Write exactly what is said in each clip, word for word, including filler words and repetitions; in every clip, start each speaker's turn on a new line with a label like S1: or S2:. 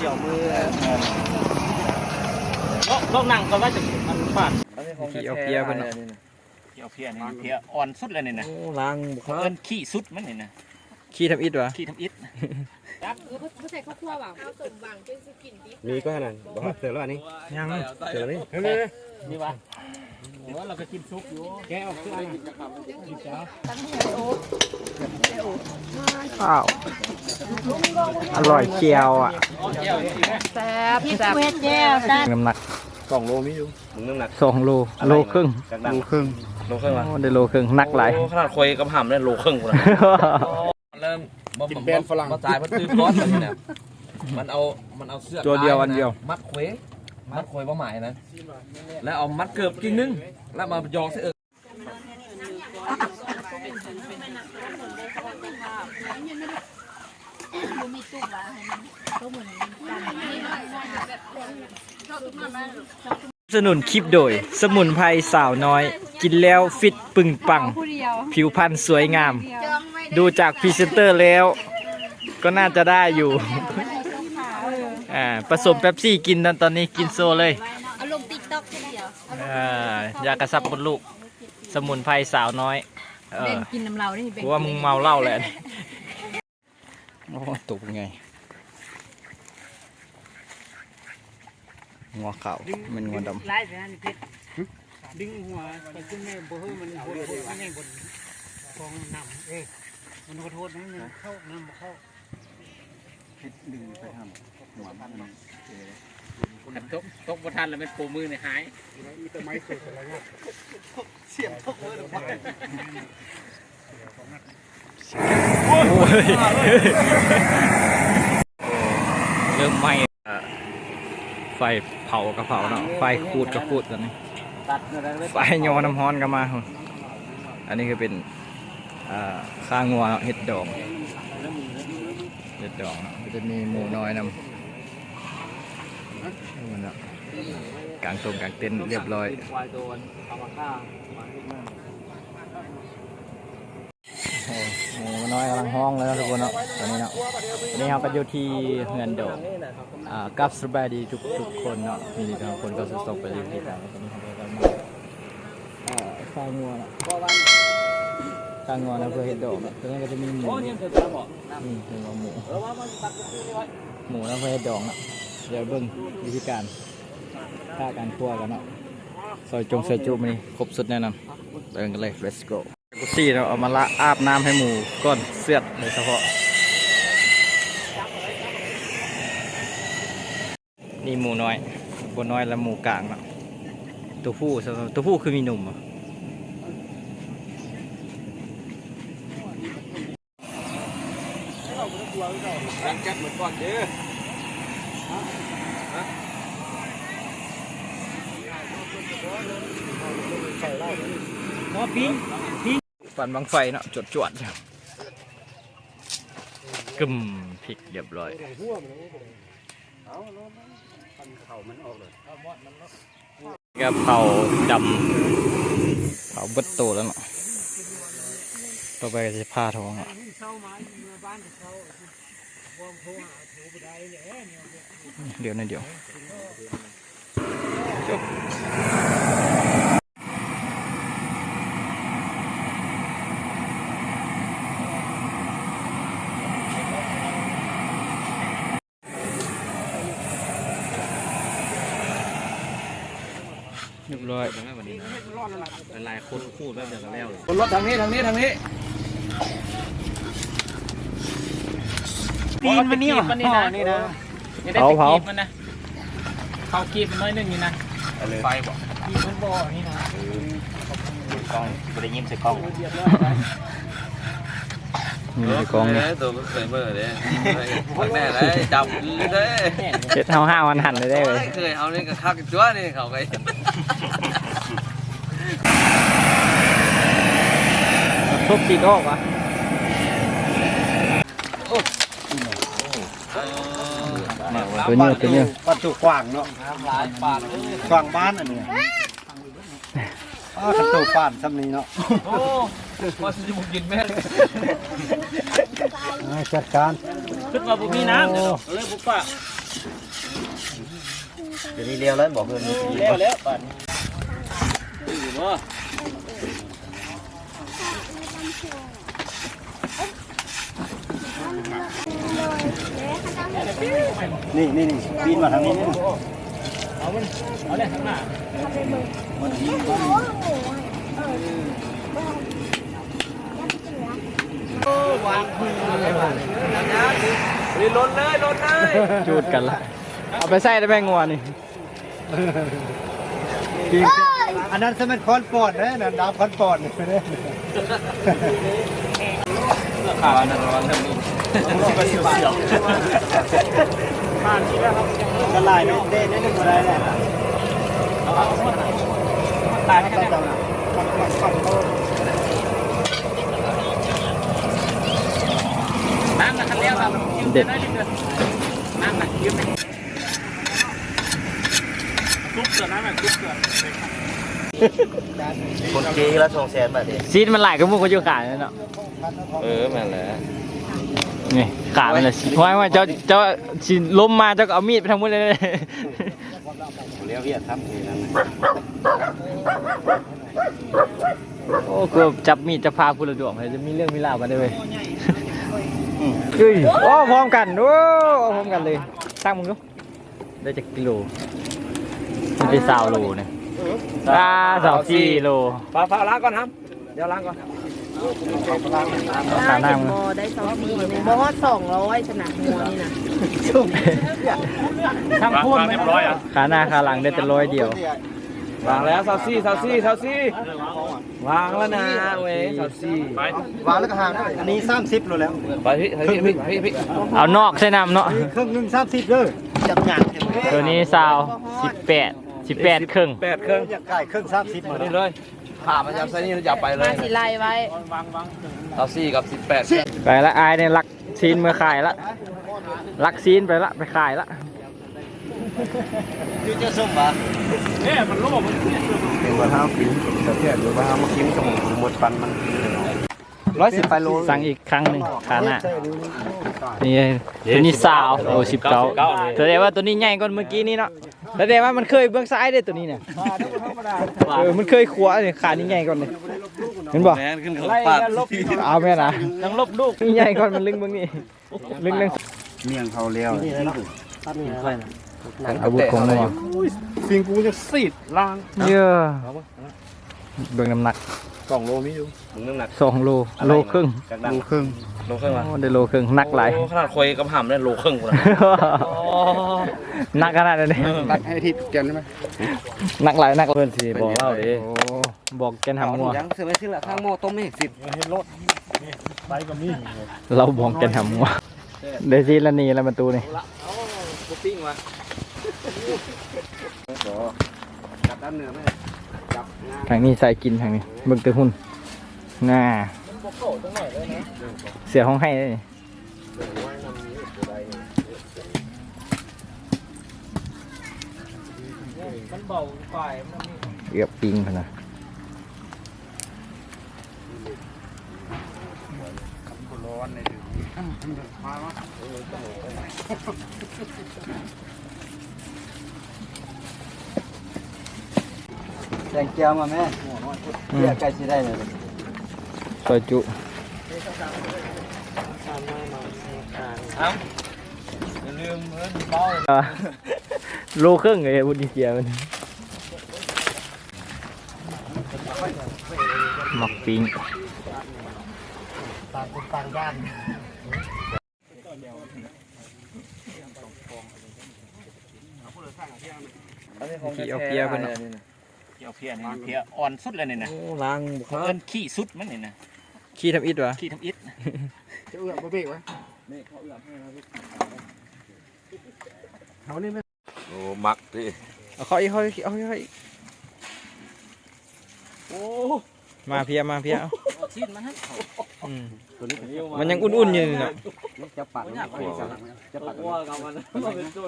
S1: กี่ยวมือลองนั่งก็ว่าจะมันฟาดขี้เอาเพียเพิ่นขี้เอาเพียนี่เพียอ่อนสุดเลยนี่นะล้างเพิ่นขี้สุดมันนี่นะขี้ทำอิฐวะขี้ทำอิฐครับเออเขาใส่ข้าวคั่วเปล่าข้าวสมหวังเป็นสกินดิมีก็ขนาดบอกเสร็จแล้วอันนี้ยังเสร็จแล้วนี่นี่วะว่าเราก็กินซุปอยู่แกออกเครื่องกินเช้าข้าวอร่อยเจียวอ่ะแซ่บแซ่บเจียวน้ำหนักสองโลมีอยู่มึงน้ำหนักสองโลโลครึ่งโลครึ่งโลครึ่งวะได้โลครึ่งนักหลายขนาดคอยกับห่ำได้โลครึ่งเลยเริ่มกินแป้งฝรั่งมาจ่ายมันตื้อก้อนแบบนี้นะมันเอามันเอาเสื้อตัวเดียวอันเดียวมัดเควมัดเควว่าหมายนะแล้วเอามัดเกือบกิ่งนึงแล้วมายองเสื้อสนุนคลิปโดยสมุนไพรสาวน้อยกินแล้วฟิตปึงปังผิวพรรณสวยงามดูจากพรีเซนเตอร์แล้วก็น่าจะได้อยู่อ่าผสมเป๊ปซี่กินตอนนี้กินโซเลยเอาลงติ๊กต็อกเดียวอ่ายากระซับมดลูกสมุนไพรสาวน้อยเออกินน้ำเหล้านี่เพราะว่ามึงเมาเหล้าแหละโอ้ตกไงงัวขาวมันงัวดำดึงหัวไปขึ้นแม่บ่เฮ้ยมันหัวมันแม่บนฟองน้ำเอ้มันขอโทษนะมันเข้าน้ำเข้าพิษดึงไปทำหัวมันตกตกประทันแล้วมันโผล่มือในหายมีต้นไม้สุดอะไรเงี้ยเสียบตกมือลงไปเริ่มไหม้ไฟเผากระเผาเนาะไฟขูดกระขูดกันนี่ไฟโยน้ำฮ้อนกันมาอันนี้คือเป็นข้างงัวเห็ดดองเห็ดดองเนาะจะมีหมูน้อยนำกางตรงกางเต็นท์เรียบร้อยหมูน้อยกำลังห้องแล้วนะทุกคนเนาะตอนนี้เนาะตอนนี้เราก็อยู่ที่เงินดองกับสบายดีทุกทุกคนเนาะมีทุกคนก็สุดสไปอยู่ที่กันตอนนี้เราก็มาข้างงัวเนาะข้างงัวนะเพื่อเห็ดดอกตรงนี้ก็จะมีหมูนี่คือหมูหมูนะเพื่อเห็ดดอกเนาะเดี๋ยวเบิ้งวิธีการฆ่าการคั่วกันเนาะซอยจงใส่จุ่มนี่ครบสุดแน่นอนเดินกันเลย let's go กุซี่เราเอามาละอาบน้ำให้หมูก้อนเสียดโดยเฉพาะนี่หมูน้อยบนน้อยและหมูกลางเนาะตัวผู้ตัวผู้คือมีหนุ่มอ่ะรังจัดเหมือนก่อนเด้อหม้อปิ้งปิ้งปั่นบังไฟเนาะจวดจวดกึ่มพริกเรียบร้อยกระเพราดำเผาเบิดโตแล้วเนาะต่อไปจะผ้าท้องอ่ะเดี๋ยวนะเดี๋ยวจบเรียบร้อยเป็นลายโคตรคู่แบบเดียวกันแล้วคนรถทางนี้ทางนี้ทางนี้ตีนมันนี่มันนี่นะนี่นะเผาเผามันนะเขากีบมันน้อยหนึ่งนี่นะไฟบอกกีบมันบ่อนี่นะกล้องไม่ได้ยิ้มใส่กล้องยิ้มใส่กล้องเลยตัวมันเคยเมื่อเลยพักแน่เลยจับเลยเจ็ดเท้าห้าวันหันเลยได้เลยเคยเอานี่กับข้าวกับจ้วนี่เขาไปทุบตีก็ออกวะตัวนี้ตัวนี้ปัดจุกว้างเนาะกว้างบ้านอันนี้อ๋อขันตูป่านซ้ำนี้เนาะโอ้มาสิบุกินแม่จัดการขึ้นมาบุมีน้ำเลยบุปะ
S2: เดี๋ยวนี้เลี้ยวแล้วบอกเพื่อนเลี้ยวแล้วปั่นอยู่บ่นี่นี่นี่ปีนมาทางนี้เอามันเอาเลยข้างหน้ามันยิงโอ้วางพื้นเลยว่ะนี่ล้นเลยล้นเลย
S1: จูดกันละเอาไปใส่ได้ไหมงัวนี่
S3: อันนั้นสมัยคอนปอดนะนั่นดาวคอนปอดนี่ไม่ได้
S2: ข่าวนั้นร้อนทั้งนี้เสียวเสียวผ่านที่แล้วครับกระไรไม่ได้ได้หนึ่งอะไรแหละตายไม่กันแล้วน้ำมันเลี้ยวครับเด็ดน้ำมันยืมทุบเสือน้ำมันทุบเสือคนเกย์ละสองแสนบาทเอง
S1: ซีดมันหลายก็มุกก็อยู่ขาเนี่ยเนาะ
S2: เออแม่นแหละ
S1: นี่ขามันเลยเพราะว่าเจ้าเจ้าสิล้มมาเจ้าก็เอามีดไปทำมุ้งเลย
S2: เลี้ยวเวียดครับนี่นั่น
S1: โอ้กูจับมีดจะพาคุณระดวงเลยจะมีเรื่องมีราวกันได้เลยเฮ้ยโอ้พร้อมกันโอ้พร้อมกันเลยตั้งมึงดูได้จากกิโลมันได้สาวโลเนี่ยอ่าสาวสี่โล
S2: ฝากฝากล้างก่อนครับเดี๋ยวล้างก่อน
S1: ขาหน้ามึง
S4: ได้สองสี่เนี่ยบ่ฮอดสองร้อยชนะหัวนี่นะ
S2: ช่างพูดเรียบร้อยอ่ะ
S1: ขาหน้าขาหลังได้แต่ร้อยเดียว
S2: วางแล้วซาวซี่ซาวซี่ซาวซี่วางแล้วนะเว้ยซาวซี่
S3: วางแล้วก็ห่างอันนี้สามสิบโลแล้ว
S2: ไปพี่พี่พี่พี่พี่
S1: เอานอกใช่น้ำเนาะ
S3: ครึ่งหนึ่งสามสิบเลยจับหยาง
S1: ตัวนี้ซาวสิบแปดสิบแปดครึ่ง
S2: แปดครึ่ง
S3: อยากไก่ครึ่งสามสิบมา
S2: นี่เลยผ่ามันยับไซนี่ยับไปเลย
S4: มาสิไล่ไว้
S2: ซาวซี่กับสิบแปด
S1: ไปละอายเนี่ยรักซีนเมื่อขายละรักซีนไปละไปขายละ
S2: ยูเจ้าส้มปะเนี่ยมันโล่มันเป็นว่าห้าปีแต่แค่หรือว่าห้ามากินตรงหมดฟันมันร้อยสิบไปโล
S1: สั่งอีกครั้งหนึ่งขาหน้านี่ตัวนี้สาวโอ้สิบเก้าแสดงว่าตัวนี้ใหญ่กว่าเมื่อกี้นี้เนาะแสดงว่ามันเคยเบื้องซ้ายได้ตัวนี้เนี่ยเออมันเคยขวาเนี่ยขานี่ใหญ่กว่าเลยเห็นบ่เอาแม่นะ
S2: ต้องลบลูก
S1: นี่ใหญ่กว่ามันลึงเบื้องนี้ลึงลึง
S3: เมี่ยงเขาเลี้ยว
S1: อาวุธของมันอยู่
S3: สิ่งกูจะสีดล่าง
S1: เยอะเบื้องน้ำหนัก
S2: สองโลมีอยู่น้ำหนัก
S1: สองโลโลครึ่ง
S3: โลครึ่ง
S2: โลครึ่งวะ
S1: ได้โลครึ่งนักหลาย
S2: ขนาดคอยกับหำได้โลครึ่งเลย
S1: นักขนาดนี้
S3: นักให้ทิพย์เกี่ยวได้ไหม
S1: นักหลายนักเพื่อนสิบอกเล่าดิบอกแกนหำงัว
S2: ยังเสือไม่ซื้อละข้างโม่ต้มไม่เห็นสิเห็นรถ
S3: ไปกับมี
S1: เราบอกแกนหำงัวเดซี่ละนีละประตูนี่
S2: ปิ้งวะจับด้านเหนือไหมจับ
S1: ทางนี้ใส่กินทางนี้เบิ่งเตอหุ่นน่าเสียห้องให้เลยเกือบปิงขนาด
S3: แกงเจียวมาแม่เรียกไก่สิได้เลย
S1: ซอยจุ
S2: เอาอย่าลืมเงินเบา
S1: โลครึ่งเลยบุญเจียมันหมักปิ้ง
S3: ต่างคนต่างด้าน
S1: ขี้เอาเพียเพิ่น
S2: ขี้เอาเพียนี่เพียอ่อนสุดเลยเนี่ยนะล้างเพิ่นขี้สุดมันนี่นะ
S1: ขี้ทำอิฐวะ
S2: ขี้ทำอิฐ
S3: จะเอื้อมบ่เบรกวะนี่เขาเอื้อมให้นะพี่เขานี่ไม่
S2: โอ้มักดิ
S1: เอาเขาอีกเขาอีกเอาอีกโอ้มาเพียมาเพียเอา
S2: ชิ้นมันฮะ
S1: มันยังอุ่นๆอยู่เนาะ
S3: จะปัด
S2: จะปัดว่ากับมันเป็นโจร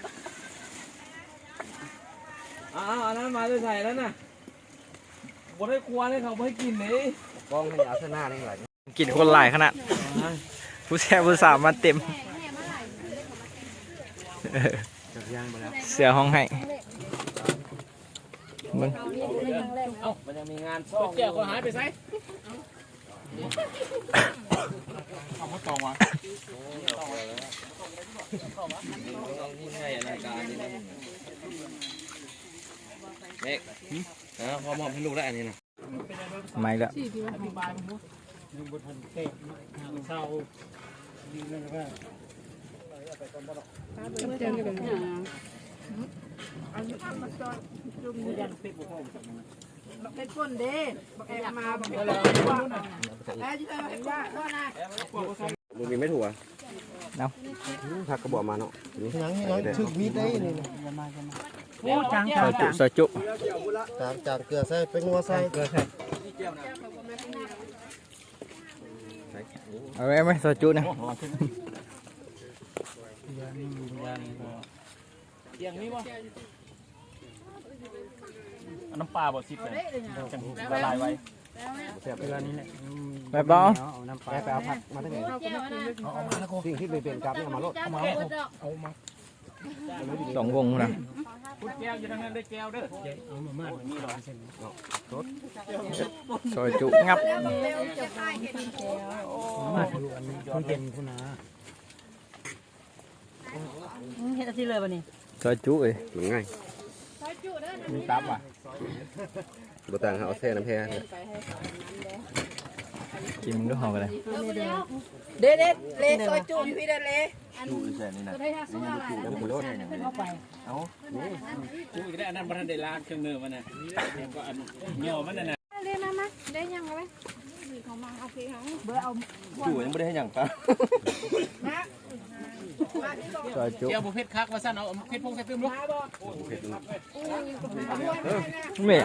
S2: อ้าวอันนั้นมาจะใส่แล้วน่ะบดให้ควานให้เขาให้กินเลยบ้องให้ยาเส้นหน้านี่หลาย
S1: กินคนหลายขนาดผู้แช่ผู้สาวมาเต็มเสือห้องให้มึง
S2: เอ้ามันยังมีงานซ่อมแก้วเขาหายไปไสเอามาตองวะนี่ให้รายการนี่นะเด็กนะพอมอบให้ลูกได้อันนี้นะ
S1: ไม่ละ
S3: ยังบนทันเตะทางเศร้าดีเลยนะ
S4: เป็นคนเด้บอกแอบมาบอกแอบมาแล้วที่เออว่าว่านะ
S2: มึงมีไม่ถูกอ่ะ
S1: เอา
S2: ผักกระบอกมาเนาะ
S3: ยังยังถึกมีดได้นี่นะ
S1: ซอยจุซอยจุ
S3: จางจางเกลือใส่เป็นงัวใส่เกลือใส่
S1: เอาไว้ไหมซอยจุนะ
S2: เตียงนี้วะน้ำปลาบ่ซิบเลยจังละลายไว้เวลานี้แหละ
S1: แบบบ้า
S2: เอาน้ำปลาไปเอาผักมาทั้งไหนสิ่งที่เป็นกับเนี่ยมาโลดเอามาเอามา
S1: สองวงนะ
S2: พุดแก้วอยู่ทางนั้นได้แก้วเด้อเอามามามีร้อยเส้น
S1: ซอยจุงับ
S3: มาดูอันนี้คุณเป็นคุณนา
S4: เห็นอะไรเลยวันนี้
S1: ซอยจุเอ้ย
S2: ง่ายมีตับว่ะบ่ต่างเอาแช่น้ำแพ้
S1: กินมึงก็หอมกันเลย
S4: เด็ดเด็ดเล่ซอยจุอยู่พี่เด็ดเล่
S2: จูแช่นี่นะแล้วบ่โลดเอาจูอีกได้อันนั้นบ่ทันได้ล้างเครื่องมือมันน่ะก็อันเหนียวมันน่ะนะ
S5: เล่นมามาได้ยังไงเขามาเอาพี่เขา
S4: เบอร์เอา
S2: จูยังบ่ได้ให้หยังปะ
S1: ซอยจุ
S2: เจียวบ่เผ็ดคักว่าซั่นเอาเผ็ดพงใส่ตึมลูก
S1: เม่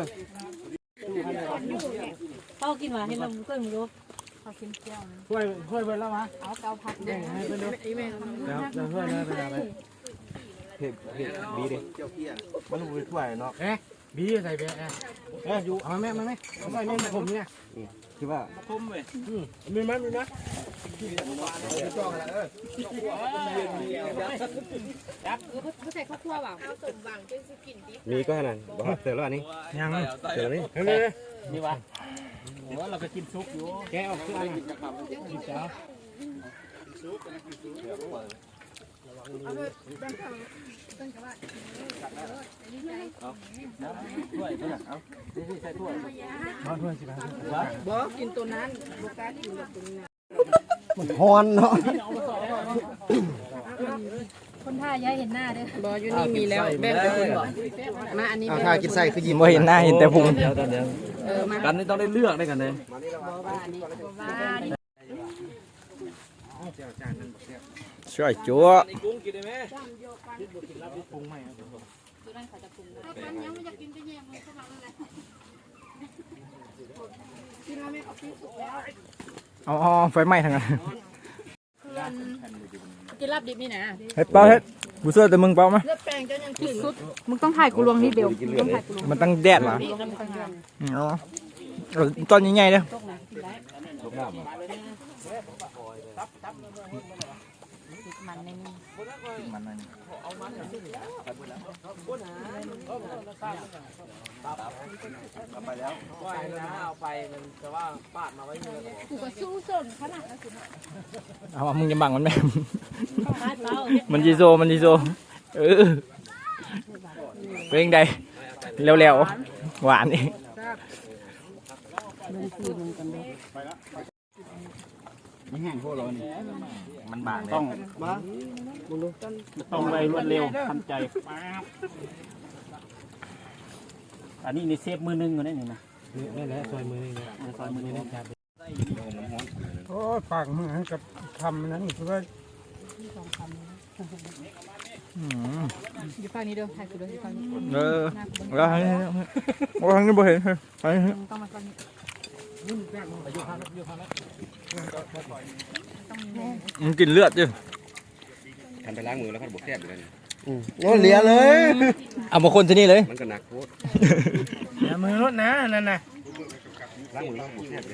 S4: เขากินมาให้เราเพิ่งรู้
S5: เขากินเจียว
S3: ช่วยช่วยไปแล้วมะ
S5: เอาเกาผัดเด้
S3: ให้ไปดูแล้วแล้วช่วยเลยไปไป
S2: เผ็ดเผ็ดบีดิมันบ่ถ้วยเนาะ
S3: เอ๊ะบีใส่ไปเอ๊ะเอ๊ะอยู่เอาแม่มาไหมเอาใส่นี่ผมเนี่ย
S2: คือว่าคมเว้ย
S3: มีไหมมีไหม
S5: เขาใส่ข้าวคั่วเปล่าเอาสมหวังจนสิกินดิ
S2: มีก็ขนาดบ่เสร็จแล้วอันนี้
S3: ยัง
S2: เสร็จแล้วนี่
S3: เฮ้ย
S2: นี่วะว่าเราไปกินซุปอยู่
S3: แกออกเสื้อนะกินจ้า
S2: ถ้วยเนี่ยเอานี่ใส่ถ้วย
S3: มาเพื่อนสิครับ
S4: บอกกินตัวนั้นโบกากินตัวนี้
S3: มันฮอนเนาะ
S5: คนท่าย้ายเห็นหน้าเด้อบ
S4: ออยู่นี่มีแล้วแบ่งไปคุณบอกมาอันนี้
S3: เอาถ้ากินไส้คือยิ้ม
S1: บ่เห็นหน้าเห็นแต่พุง
S4: เออมา
S2: กันนี่ต้องได้เลือกได้กันเลย
S1: ซอยจุ
S2: นี่กุ้งกินได้ไหม
S5: กันยังไม่อยากกินจะแย่งมันสมัครอะไรกินแล้วไม่เอาพี่สุกแล้ว
S1: เอาเอาไฟไหม้ทางนั้น
S5: กินลาบดิบนี่นะ
S1: เฮ้ยเป้าเฮ้ยบุษแต่มึงเป้าไหม
S4: เลือดแปลงจะยังขึ้น
S5: มึงต้องถ่ายกูลวงนี่เบลต้องถ่ายกูลวง
S1: มันตั้งแดดเหรออ๋อเอาตอนใหญ่ๆเด้อ
S5: มันในนี้
S1: มันนั่น
S2: ไปแล้วไหวนะเอาไปมันแต่ว่าปาดมาไว้เงิน
S5: กูก็สู้ส่นขนาดนั้นสิ
S1: เอามึงจะบังมันไหม
S5: ถ่ายเปล่า
S1: มันจีโซมันจีโซเออเพลงใดเร็วๆหวานอีก
S2: ไม่แห้งพวกเรานี่มันบางต้องมาต้องไปรวดเร็วทันใจอันนี้ในเซฟมือนึงก็ได้นี่นะ
S3: นี่แหละซอยมือนี่
S2: ซอยมือนี้นะ
S3: โอ้ปากมือกับคำนั้นคือว่า
S1: อืม
S5: อยู่ฝั่งนี้เด้อถ่ายกูเด้ออยู่ฝั่งนี้
S1: เออแล้วทางนี้โอ้ทางนี้บ่เห็นทางนี้
S5: มึงต้องมาฝั่งนี้
S1: มันกินเลือดจ้ะ
S2: ทำไปล้างมือแล้วก็บวกแซ่บอยู่แล้วนี่
S3: โอ้เหลียเลย
S1: เอามาคนที่นี่เลย
S2: มันก็หนักโคตร
S3: อย่ามือรถนะนั่นน่ะ
S2: ล้างมือแล้วก็บวกแซ่บเลย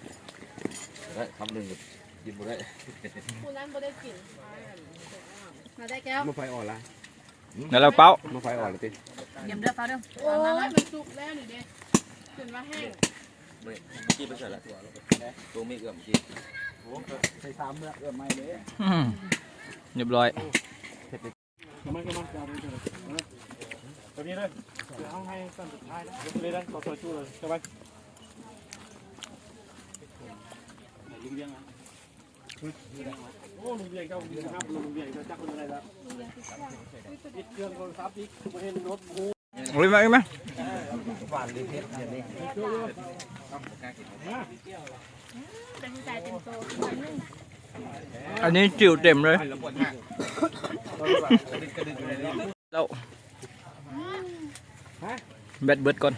S2: ได้คำหนึ่งกินบ่ได้
S5: กูนั้นบ่ได้กินมาได้แก้ว
S2: มาไฟอ่อนละ
S1: แล้วเราเป้า
S2: มาไฟอ่อนเลยติ
S5: เยี่ยมเด้อเปล่าเด้อ
S4: โอ้ยมันสุกแล้วนี่เด้จนว่าแห้ง
S2: กี้ไปใส่ละตัวมีเอื้อมกี้
S3: ใส่สามเมื่อเอื้อมไม่เลย
S1: อืมเรียบร้อย
S3: มันก็มันจะเอาไปเลยตัวนี้เลยเดี๋ยวเอาให้ตอนสุดท้ายแล้วเลยนะต่อตัวชูเลยใช่ไหมลุงเบี้ยงอ่ะโอ้ลุงเบี้ยงเจ้าลุงครับลุงเบี้ยงเจ้าจักคนอะไรแล้วอีกเครื่องโทรศัพท์อีกประเทศรถกู
S1: เอาเลยไหมเอาไหม
S2: ฝานเลยเพชรอย่างนี้
S5: เป็นใจเต็มโต
S1: อันนี้จิ๋วเต็มเลยแล้วแบตเบิดก่อน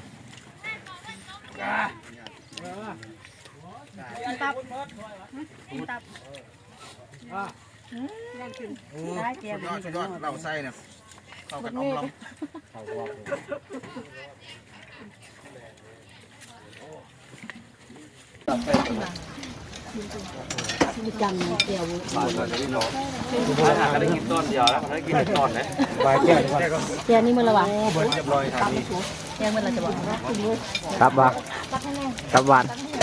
S5: ตับตับ
S4: ได้แก้ว
S2: ยอดยอดเราใส่เนี่ยเข้ากันอมลำ
S5: จังเดียว
S2: ถ้าก็ได้กินต้นเดียวแล้วได้กินต้นนะ
S3: ไปแก้วดีกว่า
S5: เดียวนี่มือละวะ
S2: เบิร์ดเรียบร้อยครับนี่
S5: เดียวมือละจะบอก
S1: ครับวะครับหวาน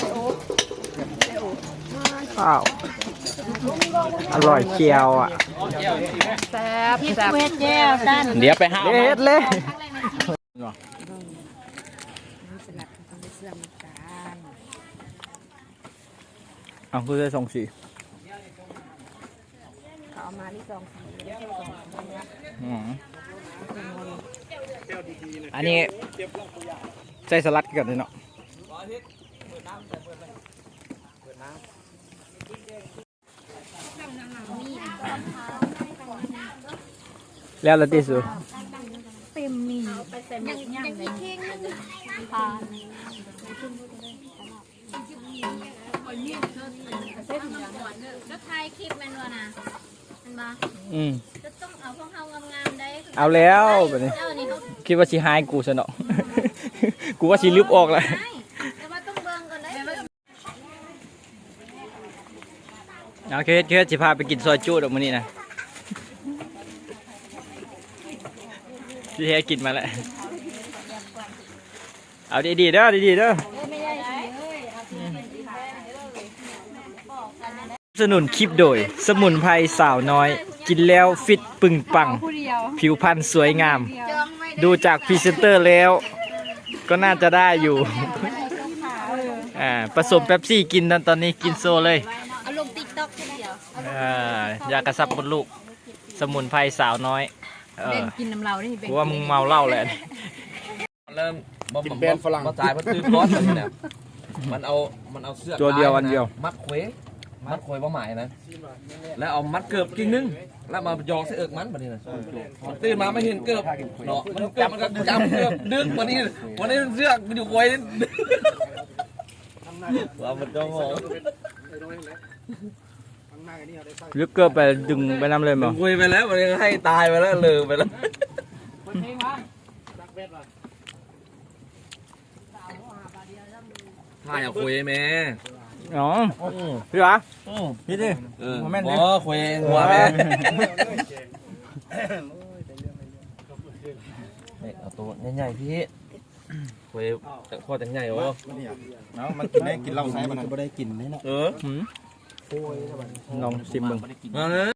S1: อ้าวอร่อยเคียวอ่ะ
S5: แซ่บพี่เวทแก้วด้าน
S1: เดี๋ยวไปหาเล็ดเลยเอาคือได้สองสี
S5: เอามาที่สองสี
S1: อืมอันนี้ใส่สลัดกันเลยเนาะแล้วละที่สุด
S5: เต็มมีไปเต็มยังยังเลยผ่านแล้วถ่ายคลิปแม่นวะนะมันมา
S1: อืม
S5: จะต้องเอาพวกเฮางามๆได้
S1: เอาแล้วแบบนี้
S5: เจ้านี่เขา
S1: คิดว่าสิหายกูซะเนาะ กูว่าสิลืบออกเลย
S5: แต่ว่าต้องเบิ่งก่อนได้
S1: โอเคเคสสิพาไปกินซอยจู้ดอกมื้อนี้นะพี่เฮกินมาแล้วเอาดีๆเด้อดีๆเด้อสนุนคลิปโดยสมุนไพรสาวน้อย กินแล้วฟิตปึงปัง ผิวพรรณสวยงาม ดูจากพรีเซนเตอร์แล้ว ก็น่าจะได้อยู่ อ่าผสมเป๊ปซี่กินตอนตอนนี้กินโซเลย
S5: เอาลงติ๊กต็อกแค่เดียว
S1: อ่ายากระซับมดลูก สมุนไพรสาวน้อยเอ
S5: เบ่
S1: อง
S5: กินน้ำเราได้เบ่ง
S1: กูว่ามึงเมาเหล้าแหละ
S2: เริ่มบ่มบ่ฝรั่งมาจ่ายเพื่อซื้อก้อนแบบนี้เนี่ยมันเอามันเอาเสื้อ
S1: ตัวเดียวอันเดียว
S2: มัดเควมัดเควว่าหมายนะแล้วเอามัดเกือบกิ่งนึงแล้วมายองใส่เอิกมันแบบนี้นะมันตื่นมาไม่เห็นเกือบเนาะมันเกือบมันก็จำเกือบดึงวันนี้วันนี้เสื้อมันอยู่ควยว่ามันจ้องมอง
S1: ลึกเกินไปดึงไปน้ำเลยมั้ง
S2: คุยไปแล้วมันยังให้ตายไปแล้วลืมไปแล้วถ่ายเอาคุยไหม
S1: อ๋อพี่วะพี่ดิ
S2: เออ
S1: โมเมนต์ดิ
S2: โอ้คุยหัวแม่เอาตัวใหญ่ๆพี่คุยแต่ข้อแต่ใหญ่โอ้
S3: เนาะมันกินได้กินเหล้าใช้มันจะไม่ได้กินนี่เนาะ
S2: เออ
S1: หืมลองชิมมึง
S2: มาเลย